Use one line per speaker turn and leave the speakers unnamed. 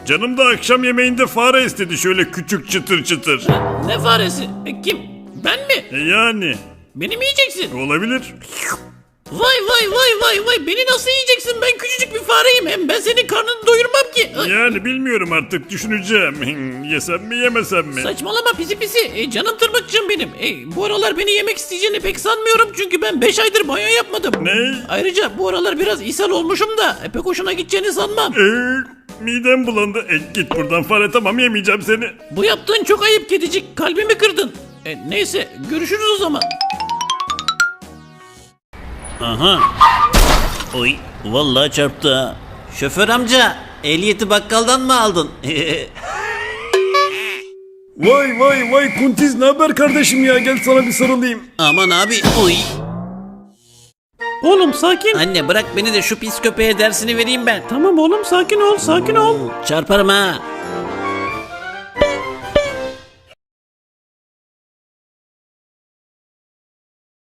Canım da akşam yemeğinde fare istedi, şöyle küçük çıtır çıtır.
Ne faresi? Kim? Ben mi?
Yani.
Beni mi yiyeceksin?
Olabilir.
Vay vay vay vay vay, beni nasıl yiyeceksin? Ben küçücük bir fareyim, hem ben senin karnını doyurmam ki. Ay,
Yani bilmiyorum, artık düşüneceğim. Yesem mi yemesem mi?
saçmalama pisi pisi. Canım tırmıkçım benim. Bu aralar beni yemek isteyeceğini pek sanmıyorum, çünkü ben 5 aydır banyo yapmadım.
Ne?
Ayrıca bu aralar biraz ishal olmuşum da pek hoşuna gideceğini sanmam.
Midem bulandı. Git buradan fare, tamam, yemeyeceğim seni.
Bu yaptığın çok ayıp kedicik, kalbimi kırdın. Neyse, görüşürüz o zaman.
Aha. Oy, vallahi çarptı ha. Şoför amca, ehliyeti bakkaldan mı aldın?
Vay vay vay Kuntiz, ne haber kardeşim ya, gel sana bir sarılayım.
Aman abi, oy.
Oğlum sakin.
Anne bırak beni de şu pis köpeğe dersini vereyim ben.
Tamam oğlum, sakin ol sakin ol.
Çarparım ha.